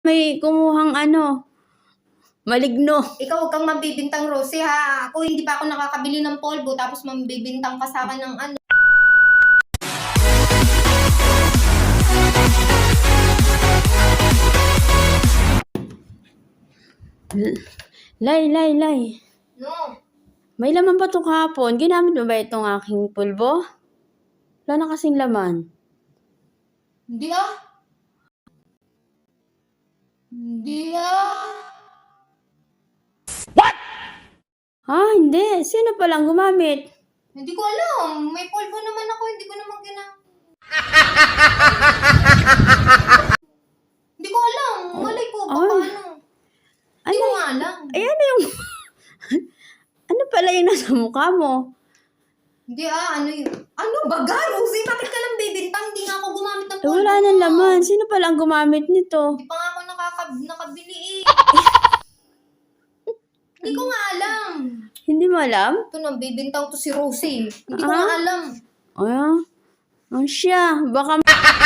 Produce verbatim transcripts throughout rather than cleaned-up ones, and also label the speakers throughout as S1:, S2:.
S1: May kumuhang ano, maligno.
S2: Ikaw huwag kang mabibintang, Rosie, ha? Ako hindi pa ako nakakabili ng polvo tapos mabibintang ka sa akin ng ano.
S1: Lay, lay, lay.
S2: No.
S1: May laman pa itong kahapon. Ginamit mo ba itong aking pulbo? Wala na kasing laman.
S2: Hindi ah. Hindi ah.
S1: Ha? Hindi. Sino palang gumamit?
S2: Hindi ko alam. May polvo naman ako. Hindi ko naman gina... Hindi ko alam. Malay ko. Baka
S1: Ay.
S2: ano. Hindi ko nga alam.
S1: Ay, ano yung... ano pala yung nasa mukha mo?
S2: Hindi ah. Ano yun? Ano baga, Rosie? Bakit ka lang bibintang? Hindi nga ako gumamit ng
S1: Eh,
S2: polvo.
S1: wala nang laman. Sino palang gumamit nito?
S2: Hindi pa nga ako nakakab- nakabili eh. Hindi ko nga alam.
S1: Hindi mo alam?
S2: Ito na, bibintang to si Rosie. Hindi ko
S1: Ah?
S2: nga alam.
S1: Ah, ang siya. Baka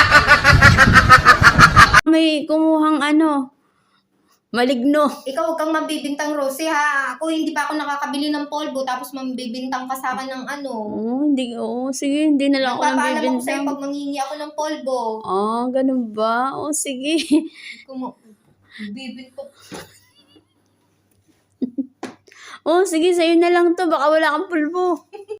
S1: may kumuhang ano, maligno.
S2: Ikaw huwag kang mabibintang, Rosie, ha? Ako hindi pa ako nakakabili ng polvo tapos mabibintang ka sa akin ng ano.
S1: Oo, hindi. Oo, sige. Hindi na lang ako nang
S2: Nagpapaalam ako sa'yo
S1: bibintang.
S2: pag mangingi ako ng polvo.
S1: Ah, ganun ba? Oo, sige.
S2: Kung bibintang.
S1: Oo, sige. Sa'yo na lang to. Baka wala kang pulbo.